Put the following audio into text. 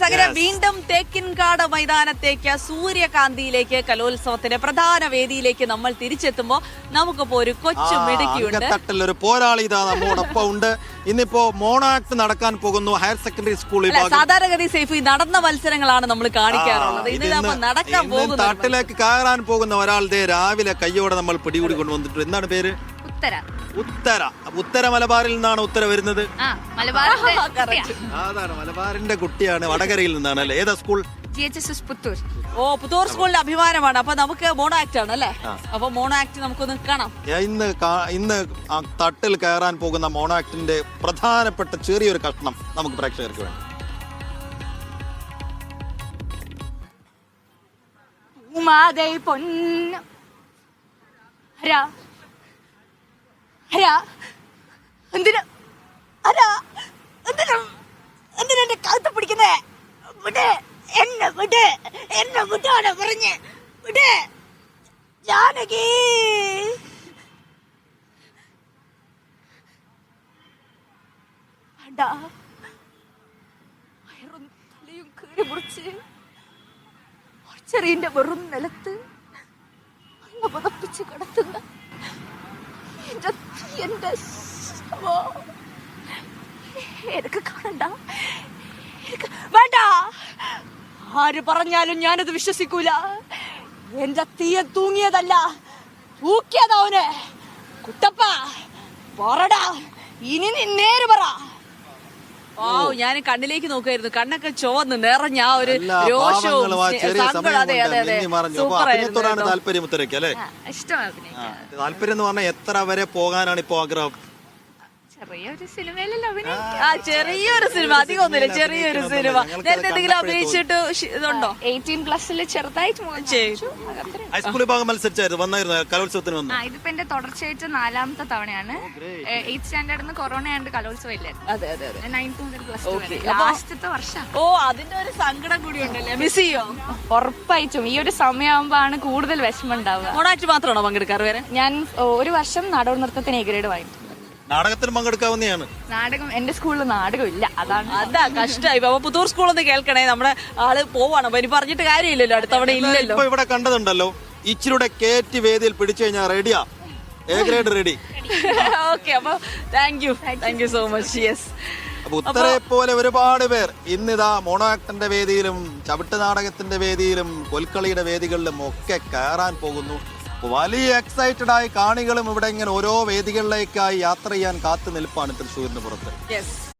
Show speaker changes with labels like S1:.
S1: അങ്ങനെ വീണ്ടും തേക്കിൻകാട് മൈതാനത്തേക്ക് സൂര്യകാന്തിയിലേക്ക് കലോത്സവത്തിന്റെ പ്രധാന വേദിയിലേക്ക് നമ്മൾ തിരിച്ചെത്തുമ്പോൾ നമുക്കിപ്പോ ഒരു കൊച്ചു മിടുക്കിയുണ്ട്.
S2: ഒരു പോരാളി ഇതാ നമ്മോടൊപ്പം ഉണ്ട്. ഇന്നിപ്പോ മോണോ ആക്ട് നടക്കാൻ പോകുന്നു ഹയർ സെക്കൻഡറി സ്കൂളിൽ.
S1: സാധാരണഗതി സേഫ് നടന്ന മത്സരങ്ങളാണ് നമ്മൾ കാണിക്കാറുള്ളത്. ഇന്ന് നടക്കാൻ പോകുന്നു.
S2: തട്ടിലേക്ക് കയറാൻ പോകുന്ന ഒരാളുടെ രാവിലെ കയ്യോടെ നമ്മൾ പിടികൂടി കൊണ്ടുവന്നിട്ടുണ്ട്. എന്താണ് പേര്? ഉത്തര. ഉത്തര മലബാറിൽ നിന്നാണ് ഉത്തര വരുന്നത്. അതാണ് മലബാറിന്റെ കുട്ടിയാണ്. വടകരയിൽ നിന്നാണ് അല്ലേ? ഏതാ സ്കൂൾ?
S1: പുത്തൂർ സ്കൂളിന്റെ അഭിമാനമാണ്. അപ്പൊ നമുക്ക് മോണോ ആക്ട് ആണ് അല്ലേ? അപ്പൊ മോണോ ആക്ട് നമുക്കൊന്ന് കാണാം.
S2: ഇന്ന് തട്ടിൽ കയറാൻ പോകുന്ന മോണോ ആക്ടിന്റെ പ്രധാനപ്പെട്ട ചെറിയൊരു കഷ്ണം നമുക്ക് പ്രേക്ഷകർക്ക് വേണ്ടി.
S1: എന്തിനാ എന്റെ കഴുത്ത് പിടിക്കുന്നേ? വിട് എന്നെ, വിട് എന്നെ, വിടാണ് പറഞ്ഞ് വിട്. ജാനകി തലയും കീറി മുറിച്ച് ചെറിയ വെറും നിലത്ത് അങ്ങ് പതപ്പിച്ച് കിടത്തുന്ന എന്റെ എനിക്ക് കാണണ്ട, വേണ്ട. ആര് പറഞ്ഞാലും ഞാനത് വിശ്വസിക്കൂല. എന്റെ തീയ തൂങ്ങിയതല്ല, തൂക്കിയതവന്. കുട്ടപ്പ പറടാ, ഇനി നീ നേര് പറ. ഞാൻ കണ്ണിലേക്ക് നോക്കുമായിരുന്നു. കണ്ണൊക്കെ ചുവന്ന് നിറഞ്ഞ ആ ഒരു രോഷവും
S2: താല്പര്യം എന്ന് പറഞ്ഞാൽ എത്ര വരെ പോകാനാണ് ഇപ്പൊ ആഗ്രഹം?
S1: ചെറിയൊരു സിനിമ, അധികം ഒന്നുമില്ല, ചെറിയൊരു സിനിമ. നേരത്തെ എന്തെങ്കിലും അഭിനയിച്ചിട്ട് ഇതുണ്ടോ?
S3: 18+ ചെറുതായിട്ട്
S2: ഹൈസ്കൂൾ വിഭാഗം മത്സരിച്ചായിരുന്നു, വന്നായിരുന്നു കലോത്സവത്തിന് വന്നു.
S3: ഇതിപ്പോ എന്റെ തുടർച്ചയായിട്ട് 4ാമത്തെ തവണയാണ്. 8th സ്റ്റാൻഡേർഡിൽ കൊറോണ ആയതുകൊണ്ട് കലോത്സവം ഇല്ലായിരുന്നു. 9th മുതൽ +2 ലാസ്റ്റത്തെ വർഷം.
S1: അതിന്റെ ഒരു സങ്കടം കൂടി ഉണ്ടല്ലേ? മിസ് ചെയ്യോ?
S3: ഉറപ്പായിട്ടും ഈ ഒരു സമയമാകുമ്പോ ആണ് കൂടുതൽ വിഷമം ഉണ്ടാവുക.
S1: മോണാക്ട് മാത്രമാണോ പങ്കെടുക്കാറ്? വേറെ
S3: ഞാൻ ഒരു വർഷം നാടോടി നൃത്തത്തിന് എ ഗ്രേഡ് വാങ്ങിച്ചു.
S2: നാടകത്തിന് പങ്കെടുക്കാവുന്നതാണ്.
S3: നാടകം എന്റെ സ്കൂളിൽ നാടകം ഇല്ല,
S1: അതാ കഷ്ടമായി. അപ്പൊ പുത്തൂർ സ്കൂളൊന്ന് കേൾക്കണേ, നമ്മുടെ ആള് പോവാണ്. അപ്പൊ ഇനി പറഞ്ഞിട്ട് കാര്യമില്ലല്ലോ, അടുത്തവണ ഇല്ലല്ലോ.
S2: ഇപ്പൊ ഇവിടെ കണ്ടതുണ്ടല്ലോ, ഇച്ചിരിയുടെ കേറ്റി വേദിയിൽ പിടിച്ചു കഴിഞ്ഞാൽ റെഡിയാ, എ ഗ്രേഡ് റെഡി.
S1: ഓക്കെ, അപ്പൊ thank you so much. Yes,
S2: അപ്പൊ ഉത്തരയെ പോലെ ഒരുപാട് പേർ ഇന്നിതാ മോണോ ആക്ടിന്റെ വേദിയിലും ചവിട്ട് നാടകത്തിന്റെ വേദിയിലും കൊൽക്കളിയുടെ വേദികളിലും ഒക്കെ കയറാൻ പോകുന്നു. വലിയ എക്സൈറ്റഡ് ആയി കാണികളും ഇവിടെ ഇങ്ങനെ ഓരോ വേദികളിലേക്കായി യാത്ര ചെയ്യാൻ കാത്തു നിൽപ്പാണ് തൃശ്ശൂരിന് പുറത്ത്.